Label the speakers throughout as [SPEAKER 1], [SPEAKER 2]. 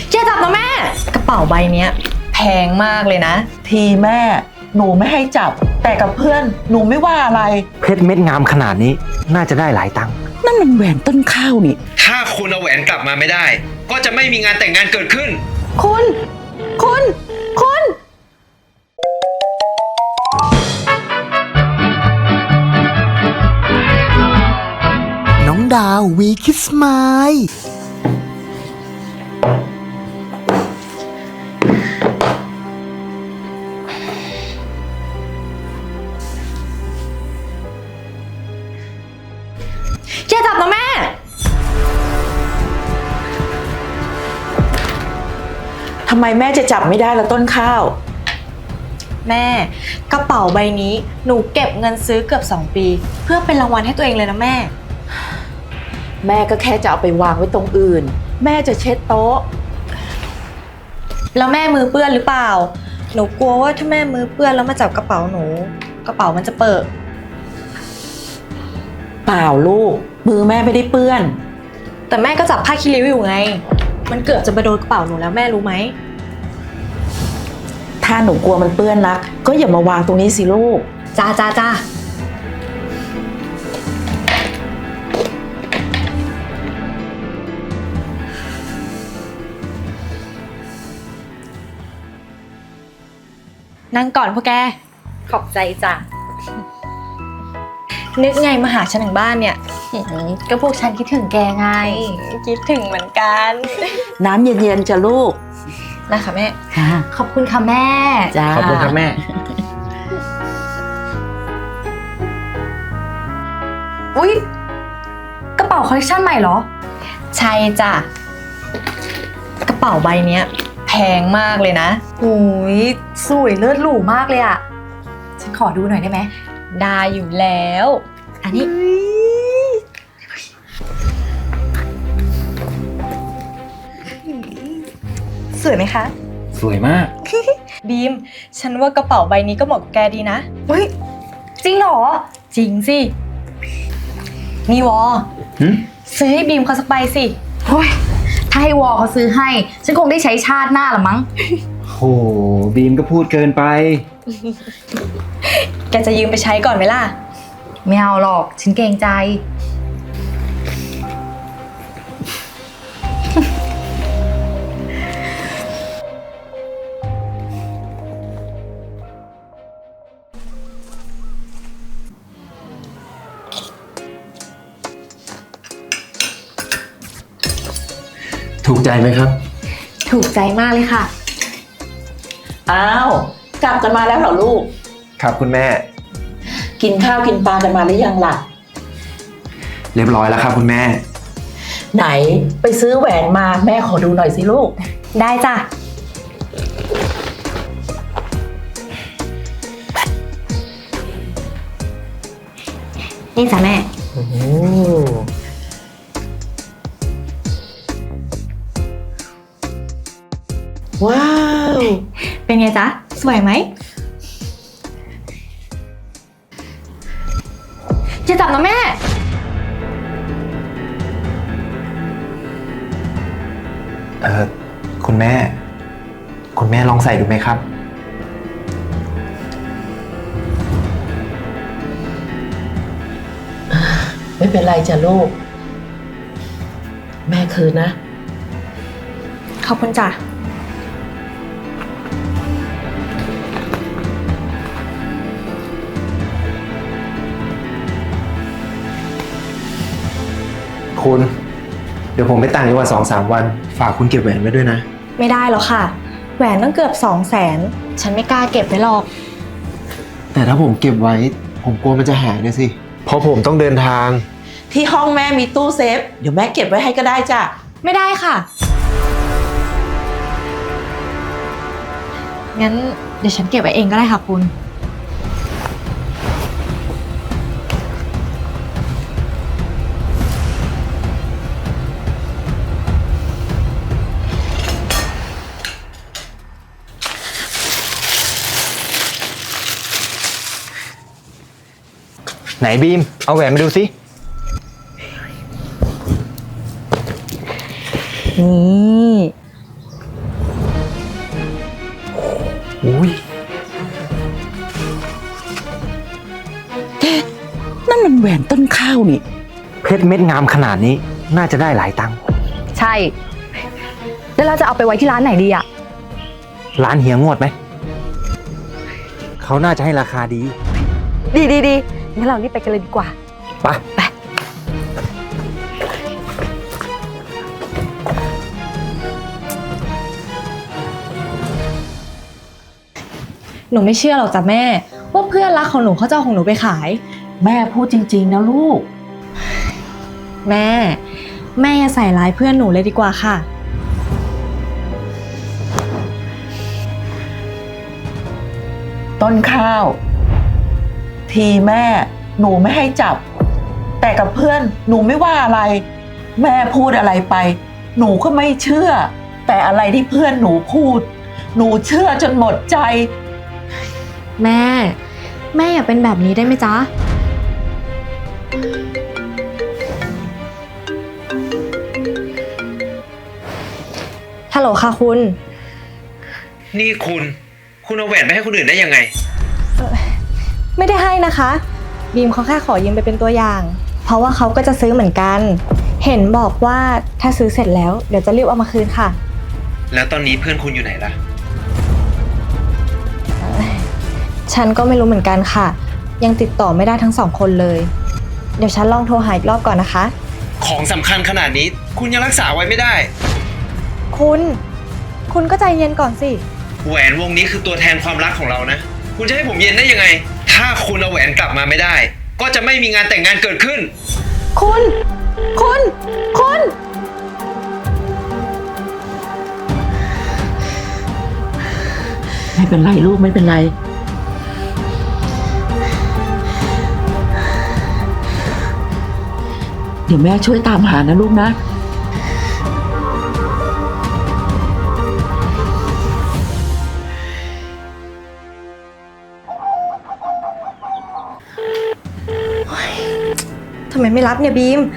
[SPEAKER 1] อย่าจับนะแม่กระเป๋าใบเนี้ยแพงมากเลยนะ
[SPEAKER 2] ทีแม่หนูไม่ให้จับแต่กับเพื่อนหนูไม่ว่าอะไร
[SPEAKER 3] เพชรเม็ดงามขนาดนี้น่าจะได้หลายตังค์
[SPEAKER 2] นั่นมันแหวนต้นข้าวนี่
[SPEAKER 4] ถ้าคุณเอาแหวนกลับมาไม่ได้ ก็จะไม่มีงานแต่งงานเกิดขึ้น
[SPEAKER 1] คุณ
[SPEAKER 5] น้องดาววีคิสไมล์
[SPEAKER 1] อย่าจับนะแม่
[SPEAKER 2] ทำไมแม่จะจับไม่ได้ละต้นข้าว
[SPEAKER 1] แม่กระเป๋าใบนี้หนูเก็บเงินซื้อเกือบ2 ปี เพื่อเป็นรางวัลให้ตัวเองเลยนะแม่
[SPEAKER 2] แม่ก็แค่จะเอาไปวางไว้ตรงอื่นแม่จะเช็ดโต๊ะ
[SPEAKER 1] แล้วแม่มือเปื้อนหรือเปล่าหนูกลัวว่าถ้าแม่มือเปื้อนแล้วมาจับกระเป๋าหนูกระเป๋ามันจะเปิด
[SPEAKER 2] เปล่าลูกมือแม่ไม่ได้เปื้อน
[SPEAKER 1] แต่แม่ก็จับผ้าคีริ้วอยู่ไงมันเกือบจะไปโดนกระเป๋าหนูแล้วแม่รู้ไหม
[SPEAKER 2] ถ้าหนูกลัวมันเปื้อนนักก็อย่ามาวางตรงนี้สิลูก
[SPEAKER 1] จ้านั่งก่อนพวกแกขอบใจจ้ะนึกไงมาหาฉันถึงบ้านเนี่ยก็พวกฉันคิดถึงแกไงคิดถึงเหมือนกัน
[SPEAKER 2] น้ำเย็นๆจ้ะลูก
[SPEAKER 1] นะคะแม่
[SPEAKER 6] ขอบคุณค่ะแม่
[SPEAKER 2] จ้า
[SPEAKER 3] ขอบคุณครับแม่
[SPEAKER 6] อุ๊ยกระเป๋าคอลเลคชันใหม่เหรอ
[SPEAKER 1] ใช่จ้ะกระเป๋าใบเนี้ยแพงมากเลยนะ
[SPEAKER 6] โอ้ยสวยเลิศหรูมากเลยอะฉันขอดูหน่อยได้ไหม
[SPEAKER 1] ได้อยู่แล้วอันนี้สวยไหมคะ
[SPEAKER 3] สวยมาก
[SPEAKER 1] บีมฉันว่ากระเป๋าใบนี้ก็เหมาะกับแกดีนะ
[SPEAKER 6] เฮ้ยจริงเหรอ
[SPEAKER 1] จริงสินี่วอซื้อให้บีมเขาสักใบสิ
[SPEAKER 6] โอ้ยถ้าให้วอเขาซื้อให้ฉันคงได้ใช้ชาติหน้าละมั้ง
[SPEAKER 3] โหบีมก็พูดเกินไป
[SPEAKER 1] แกจะยืมไปใช้ก่อนไหมล่ะ
[SPEAKER 6] ไม่เอาหรอกฉันเกรงใจ
[SPEAKER 3] ถูกใจไหมครับ
[SPEAKER 6] ถูกใจมากเลยค่ะ
[SPEAKER 2] อ้าวกลับกันมาแล้วเหรอลูก
[SPEAKER 3] ครับคุณแม่
[SPEAKER 2] กินข้าวกินปลากันมาหรือยังล่ะ
[SPEAKER 3] เรียบร้อยแล้วครับคุณแม่
[SPEAKER 2] ไหนไปซื้อแหวนมาแม่ขอดูหน่อยสิลูก
[SPEAKER 1] ได้จ้ะนี่จ้ะแม่
[SPEAKER 2] ว้าว
[SPEAKER 1] เป็นไงจ๊ะสวยไหมจะจับนะแม่
[SPEAKER 3] คุณแม่ลองใส่ดูไหมครับ
[SPEAKER 2] ไม่เป็นไรจ้ะลูกแม่คืนนะ
[SPEAKER 1] ขอบคุณจ้ะ
[SPEAKER 3] คุณเดี๋ยวผมไปต่างจังหวัด2-3 วันฝากคุณเก็บแหวนไว้ด้วยนะ
[SPEAKER 1] ไม่ได้หรอกค่ะแหวนต้องเกือบ200,000ฉันไม่กล้าเก็บไว้หรอก
[SPEAKER 3] แต่ถ้าผมเก็บไว้ผมกลัวมันจะหายนะสิเพราะผมต้องเดินทาง
[SPEAKER 2] ที่ห้องแม่มีตู้เซฟเดี๋ยวแม่เก็บไว้ให้ก็ได้จ้ะ
[SPEAKER 1] ไม่ได้ค่ะงั้นเดี๋ยวฉันเก็บไว้เองก็ได้ค่ะคุณ
[SPEAKER 3] ไหนบีมเอาแหวนมาดูสิ
[SPEAKER 1] นี่
[SPEAKER 3] อุ้ย
[SPEAKER 2] นั่นมันแหวนต้นข้าวนี่
[SPEAKER 3] เพชรเม็ดงามขนาดนี้น่าจะได้หลายตังค์
[SPEAKER 6] ใช่ แล้วเราจะเอาไปไว้ที่ร้านไหนดีอะ
[SPEAKER 3] ร้านเฮียงวดไหม เขาน่าจะให้ราคาดี
[SPEAKER 6] ดีงั้นเรารีบไปกันเลยดีกว่า
[SPEAKER 3] ไป
[SPEAKER 1] หนูไม่เชื่อหรอกจ้ะแม่ ว่าเพื่อนรักของหนูเขาจะเอาของหนูไปขาย
[SPEAKER 2] แม่พูดจริงๆนะลูก
[SPEAKER 1] แม่อย่าใส่ร้ายเพื่อนหนูเลยดีกว่าค่ะ
[SPEAKER 2] ต้นข้าว ทีแม่หนูไม่ให้จับ แต่กับเพื่อนหนูไม่ว่าอะไร แม่พูดอะไรไป หนูก็ไม่เชื่อ แต่อะไรที่เพื่อนหนูพูด หนูเชื่อจนหมดใจ
[SPEAKER 1] แม่อย่าเป็นแบบนี้ได้ไหมจ๊ะ ฮัลโหลค่ะคุณ
[SPEAKER 4] นี่คุณเอาแหวนไปให้คนอื่นได้ยังไง
[SPEAKER 1] ไม่ได้ให้นะคะ บีมเขาแค่ขอยืมไปเป็นตัวอย่าง เพราะว่าเขาก็จะซื้อเหมือนกัน เห็นบอกว่าถ้าซื้อเสร็จแล้วเดี๋ยวจะรีบเอามาคืนค่ะ
[SPEAKER 4] แล้วตอนนี้เพื่อนคุณอยู่ไหนล่ะ
[SPEAKER 1] ฉันก็ไม่รู้เหมือนกันค่ะ ยังติดต่อไม่ได้ทั้งสองคนเลย เดี๋ยวฉันลองโทรหาอีกรอบก่อนนะคะ
[SPEAKER 4] ของสำคัญขนาดนี้คุณยังรักษาไว้ไม่ได้
[SPEAKER 1] คุณก็ใจเย็นก่อนสิ
[SPEAKER 4] แหวนวงนี้คือตัวแทนความรักของเรานะ คุณจะให้ผมเย็นได้ยังไง ถ้าคุณเอาแหวนกลับมาไม่ได้ ก็จะไม่มีงานแต่งงานเกิดขึ้น
[SPEAKER 1] คุณ
[SPEAKER 2] ไม่เป็นไรลูกไม่เป็นไร เดี๋ยวแม่ช่วยตามหานะลูกนะ
[SPEAKER 1] ทำไมไม่รับเนี่ยบีม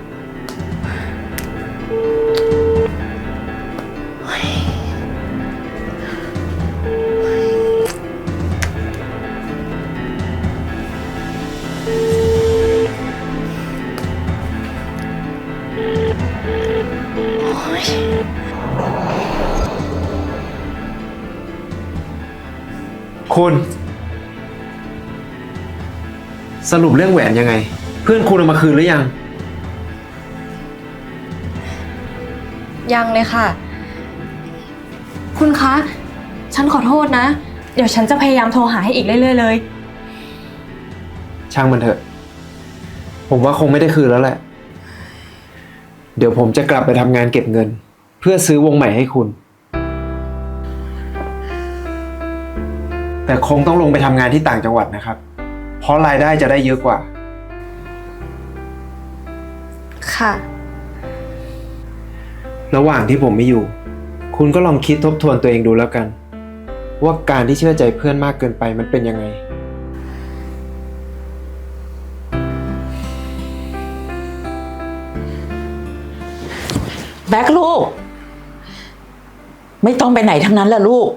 [SPEAKER 3] คุณ สรุปเรื่องแหวนยังไง เพื่อนคุณเอามาคืนหรือยัง
[SPEAKER 1] ยังเลยค่ะ คุณคะ ฉันขอโทษนะ เดี๋ยวฉันจะพยายามโทรหาให้อีกเรื่อยๆเลย
[SPEAKER 3] ช่างมันเถอะ ผมว่าคงไม่ได้คืนแล้วแหละ เดี๋ยวผมจะกลับไปทำงานเก็บเงิน เพื่อซื้อวงใหม่ให้คุณ แต่คงต้องลงไปทำงานที่ต่างจังหวัดนะครับ เพราะรายได้จะได้เยอะกว่า
[SPEAKER 1] ค่ะ
[SPEAKER 3] ระหว่างที่ผมไม่อยู่ คุณก็ลองคิดทบทวนตัวเองดูแล้วกัน ว่าการที่เชื่อใจเพื่อนมากเกินไปมันเป็นยังไง
[SPEAKER 2] แบ็คลูก ไม่ต้องไปไหนทั้งนั้นแหละลูก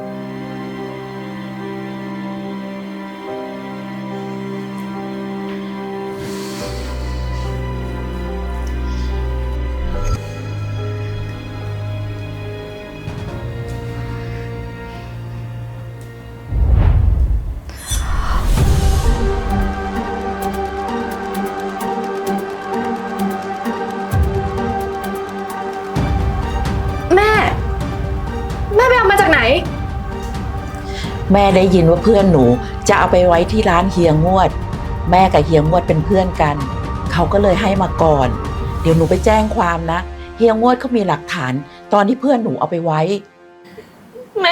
[SPEAKER 1] แม่ไปเอามาจากไหน
[SPEAKER 2] แม่ได้ยินว่าเพื่อนหนูจะเอาไปไว้ที่ร้านเฮียงวด แม่กับเฮียงวดเป็นเพื่อนกัน เขาก็เลยให้มาก่อน เดี๋ยวหนูไปแจ้งความนะ เฮียงวดเขามีหลักฐาน ตอนที่เพื่อนหนูเอาไปไว้
[SPEAKER 1] แม่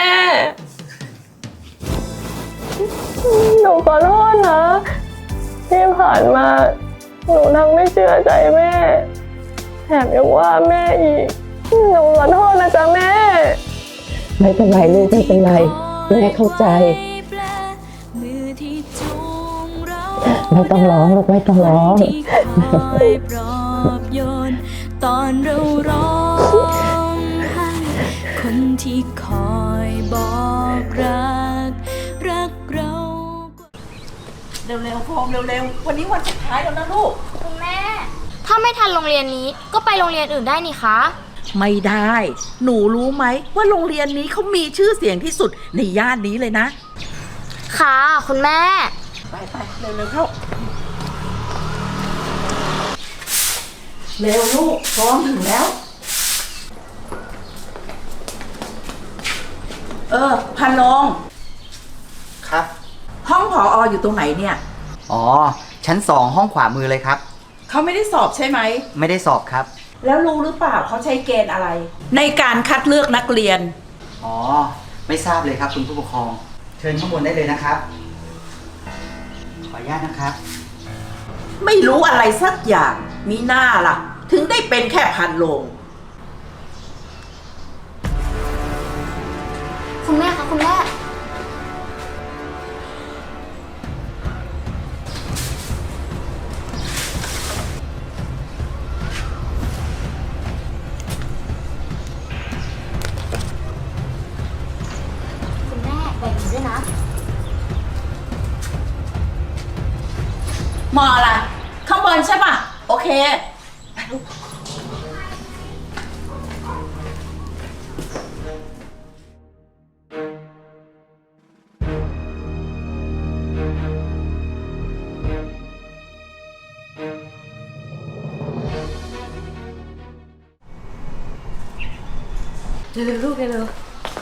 [SPEAKER 1] หนูขอโทษนะ ที่ผ่านมา หนูทั้งไม่เชื่อใจแม่ แถมยังว่าแม่อีก หนูขอโทษนะจ๊ะแม่
[SPEAKER 2] ไม่เป็นไรลูกไม่เป็นไรแม่เข้าใจ ไม่ต้องร้องลูกไม่ต้องร้อง
[SPEAKER 7] ตอนเราร้องไห้คนที่คอยบอกรัก
[SPEAKER 2] เร็วๆโฟมเร็วๆวันนี้วันสุดท้ายแล้วนะลูก
[SPEAKER 8] คุณแม่ ถ้าไม่ทันโรงเรียนนี้ก็ไปโรงเรียนอื่นได้นี่คะ
[SPEAKER 2] ไม่ได้ หนูรู้ไหมว่าโรงเรียนนี้เขามีชื่อเสียงที่สุดในย่านนี้เลยนะ
[SPEAKER 8] ค่ะคุณแม่
[SPEAKER 2] ไปเร็วๆเข้า เร็วลูกพร้อมถึงแล้ว พันลง
[SPEAKER 9] ครับ
[SPEAKER 2] ห้องผออยู่ตรงไหนเนี่ย
[SPEAKER 9] อ๋อ ชั้น 2 ห้องขวามือเลยครับ
[SPEAKER 2] เขาไม่ได้สอบใช่ไหม
[SPEAKER 9] ไม่ได้สอบครับ
[SPEAKER 2] แล้วรู้หรือเปล่าเขาใช้เกณฑ์อะไร ในการคัดเลือกนักเรียน
[SPEAKER 9] อ๋อ ไม่ทราบเลยครับคุณผู้ปกครอง เชิญข้างบนได้เลยนะครับ ขออนุญาตนะครับ
[SPEAKER 2] ไม่รู้อะไรสักอย่างมีหน้าล่ะ ถึงได้เป็นแค่พันโลง
[SPEAKER 8] คุณแม่คะคุณแม่ คุณแม่แบ่งหนูด้วยนะ
[SPEAKER 2] มออะไร ข้างบนใช่ป่ะ โอเค
[SPEAKER 6] เร็วๆลูกเร็ว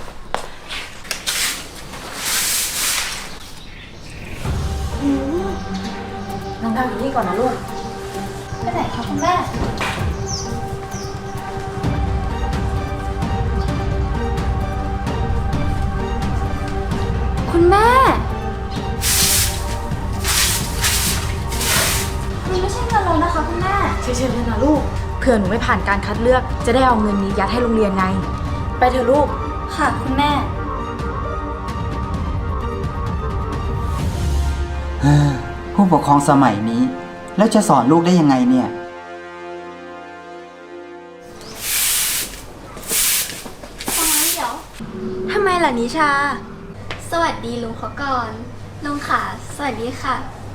[SPEAKER 6] น้องดาวอยู่นี่ก่อนนะลูก
[SPEAKER 8] ไปไหนคะคุณแม่ คุณแม่มันไม่ใช่เงินเรานะคะคุณแม่
[SPEAKER 6] เฉยๆเลยนะลูก เผื่อหนูไม่ผ่านการคัดเลือก จะได้เอาเงินนี้ยัดให้โรงเรียนไง ไปเถอะลูก
[SPEAKER 8] ค่ะคุณแม่
[SPEAKER 9] ผู้ปกครองสมัยนี้ แล้วจะสอนลูกได้ยังไงเนี่ย
[SPEAKER 8] ฟังนะเดี๋ยว ทำไมล่ะนิชา สวัสดีลุงเขาก่อน ลุงค่ะ สวัสดีค่ะ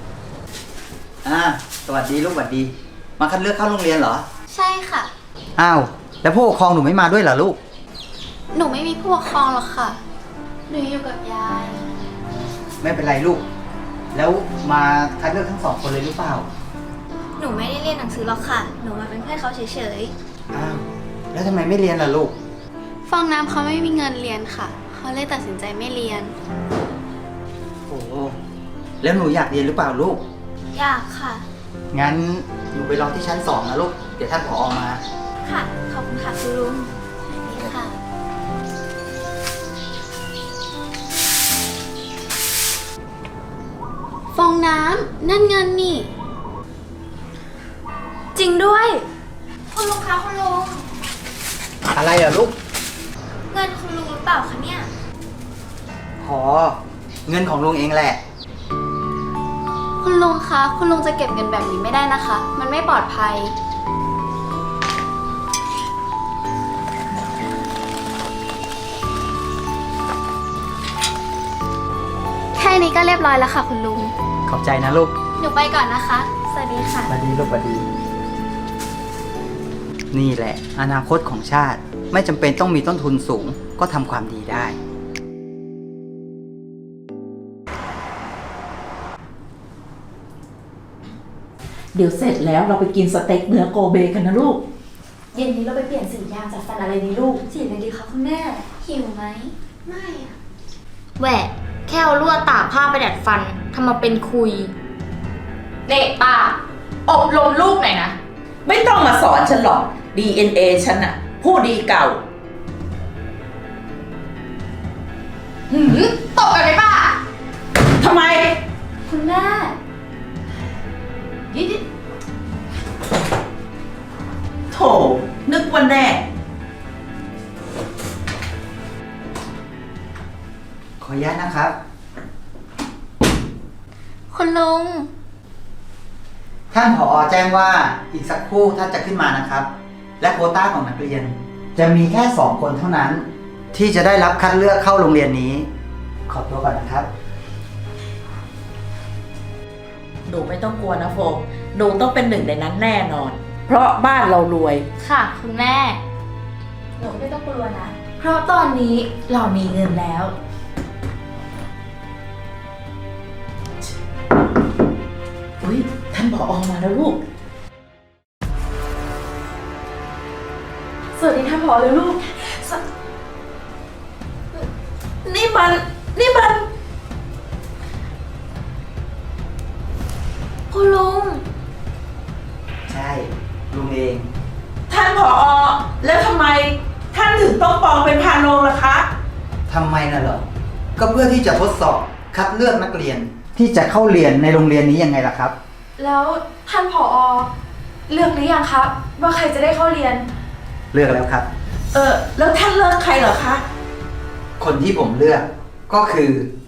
[SPEAKER 9] สวัสดีลูกสวัสดี มาคัดเลือกเข้าโรงเรียนเหรอ
[SPEAKER 8] ใช่ค่ะ
[SPEAKER 9] อ้าว แล้วผู้ปกครองหนูไม่มาด้วยเหรอลูก
[SPEAKER 8] หนูไม่มีผู้ปกครองหรอกค่ะ หนูอยู่กับยาย
[SPEAKER 9] ไม่เป็นไรลูก แล้วมาคัดเลือกทั้ง 2 คนเลยหรือเปล่า
[SPEAKER 8] หนูไม่ได้เรียนหนังสือหรอกค่ะ หนูมาเป็นเพื่อนเขาเฉย
[SPEAKER 9] อ้าว แล้วทำไมไม่เรียนล่ะลูก
[SPEAKER 8] ๆ ฟองน้ำเขาไม่มีเงินเรียนค่ะ เขาเลยตัดสินใจไม่เรียน
[SPEAKER 9] โอ้แล้วหนูอยากเรียนหรือเปล่าลูก
[SPEAKER 8] อยากค่ะ
[SPEAKER 9] งั้นหนูไปรอที่ชั้น 2นะลูก เดี๋ยวท่านผอมา
[SPEAKER 8] ค่ะ ขอบคุณค่ะคุณลุงสวัสดีค่ะ ฟองน้ำนั่นเงินนี่ จริงด้วย คุณลุงคะคุณลุง
[SPEAKER 9] อะไรอ่ะลูก
[SPEAKER 8] เงินคุณลุงหรือเปล่าคะเนี่ย
[SPEAKER 9] อ๋อ เงินของลุงเองแหละ
[SPEAKER 8] คุณลุงคะ คุณลุงจะเก็บเงินแบบนี้ไม่ได้นะคะ มันไม่ปลอดภัย แค่นี้ก็เรียบร้อยแล้วค่ะคุณลุง
[SPEAKER 9] ขอบใจนะลูก
[SPEAKER 8] หนูไปก่อนนะคะ สวัสดีค่ะ
[SPEAKER 9] สวัสดีลูกสวัสดี นี่แหละ อนาคตของชาติ ไม่จำเป็นต้องมีต้นทุนสูง ก็ทำความดีได้
[SPEAKER 2] เดี๋ยวเสร็จแล้วเราไปกินสเต็กเนื้อโกเบกันนะลูก
[SPEAKER 6] เย็นนี้เราไปเปลี่ยนสียางจากฟันอะไรดีลูก
[SPEAKER 8] สีอะไรดีคะคุณแม่ หิวไหม ไม่อะแหวะแค่เอาลวดตากผ้าไปดัดฟันทำมาเป็นคุยเด็กป้าอบรมลูกหน่อยนะ
[SPEAKER 2] ไม่ต้องมาสอนฉันหรอก DNA ฉันอะผู้ดีเก่า
[SPEAKER 8] ตบกันไหมป้า
[SPEAKER 2] ทำไม
[SPEAKER 8] คุณแม่
[SPEAKER 2] โถ นึกว่าแน่
[SPEAKER 9] ขออนุญาตนะครับ
[SPEAKER 8] คุณลุง
[SPEAKER 9] ท่านผอแจ้งว่าอีกสักครู่ท่านจะขึ้นมานะครับ และโควต้าของนักเรียน จะมีแค่ 2 คนเท่านั้น ที่จะได้รับคัดเลือกเข้าโรงเรียนนี้ ขอตัวก่อนนะครับ
[SPEAKER 2] หนูไม่ต้องกลัวนะโฟมหนูต้องเป็นหนึ่งในนั้นแน่นอน เพราะบ้านเรารวย
[SPEAKER 8] ค่ะ คุณแม่
[SPEAKER 6] หนูไม่ต้องกลัวนะ เพราะตอนนี้เรามีเงินแล้ว
[SPEAKER 2] อุ้ยท่านผอมาแล้วลูก
[SPEAKER 6] สวัสดีท่านผอเลยลูก
[SPEAKER 2] นี่มัน
[SPEAKER 8] คุณลุง
[SPEAKER 9] ใช่ลุงเอง
[SPEAKER 2] ท่านผอแล้วทำไมท่านถึงต้องปลอมเป็นพานโรงล่ะคะ
[SPEAKER 9] ทำไมน่ะเหรอ ก็เพื่อที่จะทดสอบคัดเลือกนักเรียน ที่จะเข้าเรียนในโรงเรียนนี้ยังไงล่ะครับ
[SPEAKER 6] แล้วท่านผอเลือกหรือยังครับว่าใครจะได้เข้าเรียน
[SPEAKER 9] เลือกแล้วครับ
[SPEAKER 2] แล้วท่านเลิกใครเหรอคะ
[SPEAKER 9] คนที่ผมเลือกก็คือ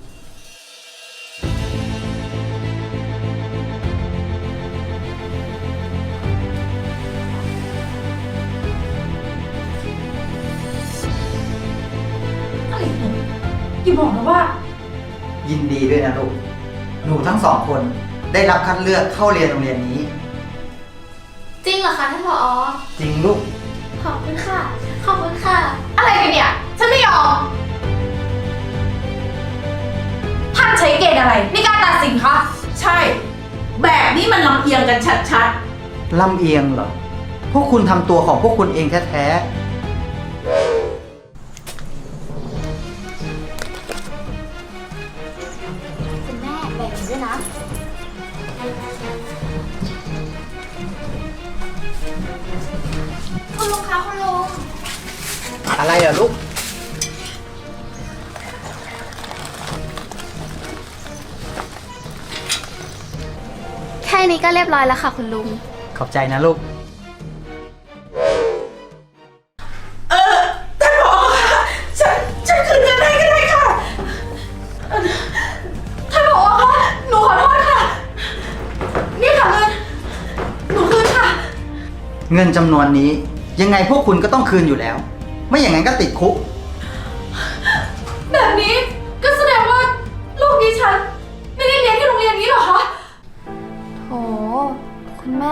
[SPEAKER 6] อะไรหนูอย่าบอกนะว่า
[SPEAKER 9] ยินดีด้วยนะลูก หนูทั้งสองคนได้รับคัดเลือกเข้าเรียนโรงเรียนนี้
[SPEAKER 8] จริงเหรอคะท่านผอ
[SPEAKER 9] จริงลูก
[SPEAKER 8] ขอบคุณค่ะ ขอบคุณค่ะ อะไรกันเนี่ย ฉันไม่ยอม
[SPEAKER 6] ท่านใช้เกณฑ์อะไรในการตัดสินคะ
[SPEAKER 2] ใช่ แบบนี้มันลำเอียงกันชัด
[SPEAKER 9] ลำเอียงเหรอ พวกคุณทำตัวของพวกคุณเองแท้
[SPEAKER 8] คุณแม่แบ่งหนูด้วยนะ คุณลุงคะคุณลุง
[SPEAKER 9] ๆ อะไรอ่ะลูก
[SPEAKER 8] แค่นี้ก็เรียบร้อยแล้วค่ะคุณลุง
[SPEAKER 9] ขอบใจนะลูก
[SPEAKER 2] ท่านผอคะฉันคืนเงินให้ก็ได้ค่ะ
[SPEAKER 6] ท่านผอคะหนูขอโทษค่ะ นี่ค่ะเงิน หนูคืนค่ะ
[SPEAKER 9] เงินจำนวนนี้ยังไงพวกคุณก็ต้องคืนอยู่แล้ว ไม่อย่างนั้นก็ติดคุก
[SPEAKER 6] แบบนี้ก็แสดงว่าลูกดิฉันไม่ได้เรียนที่โรงเรียนนี้เหรอคะ
[SPEAKER 8] โห คุณแม่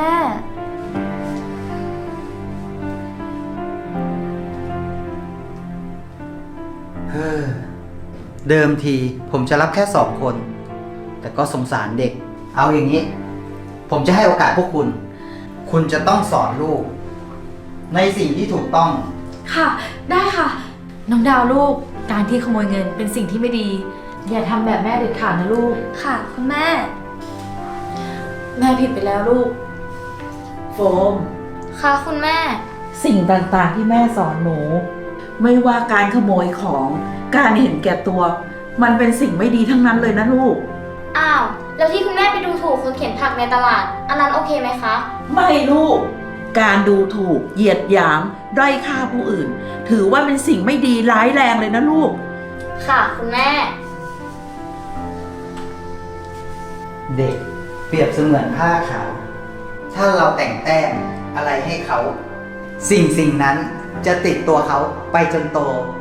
[SPEAKER 9] เฮ้อ เดิมทีผมจะรับแค่2 คน แต่ก็สงสารเด็ก เอาอย่างนี้ ผมจะให้โอกาสพวกคุณ คุณจะต้องสอนลูก ในสิ่งที่ถูกต้อง
[SPEAKER 6] ค่ะ ได้ค่ะ น้องดาวลูก การที่ขโมยเงินเป็นสิ่งที่ไม่ดี อย่าทำแบบแม่เด็ดขาดนะลูก
[SPEAKER 8] ค่ะ คุณแม่
[SPEAKER 6] แม่ผิดไปแล้วลูก
[SPEAKER 2] โฟม
[SPEAKER 8] ค่ะคุณแม่
[SPEAKER 2] สิ่งต่างๆที่แม่สอนหนู ไม่ว่าการขโมยของ การเห็นแก่ตัว มันเป็นสิ่งไม่ดีทั้งนั้นเลยนะลูก
[SPEAKER 8] อ้าว แล้วที่คุณแม่ไปดูถูกคนเข็นผักในตลาด อันนั้นโอเคไหมคะ
[SPEAKER 2] ไม่ลูก การดูถูก เหยียดหยาม ด้อยค่าผู้อื่น ถือว่าเป็นสิ่งไม่ดีร้ายแรงเลยนะลูก
[SPEAKER 8] ค่ะ คุณแม่
[SPEAKER 9] เด็กเปรียบเสมือนผ้าขาว ถ้าเราแต่งแต้มอะไรให้เขา สิ่งนั้นจะติดตัวเขาไปจนโต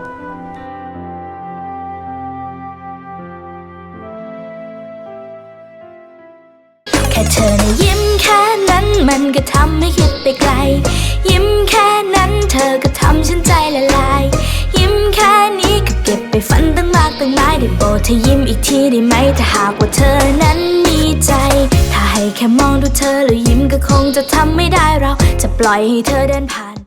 [SPEAKER 7] แค่เธอนะยิ้มแค่นั้นมันก็ทำให้คิดไปไกล ยิ้มแค่นั้นเธอก็ทำฉันใจละลาย ยิ้มแค่นี้ก็เก็บไปฝันตั้งมากตั้งหลายได้โปรดเธอยิ้มอีกทีได้ไหมถ้าหากว่าเธอนั้นมีใจ ถ้าให้แค่มองดูเธอแล้วยิ้มก็คงจะทำไม่ได้เราจะปล่อยให้เธอเดินผ่าน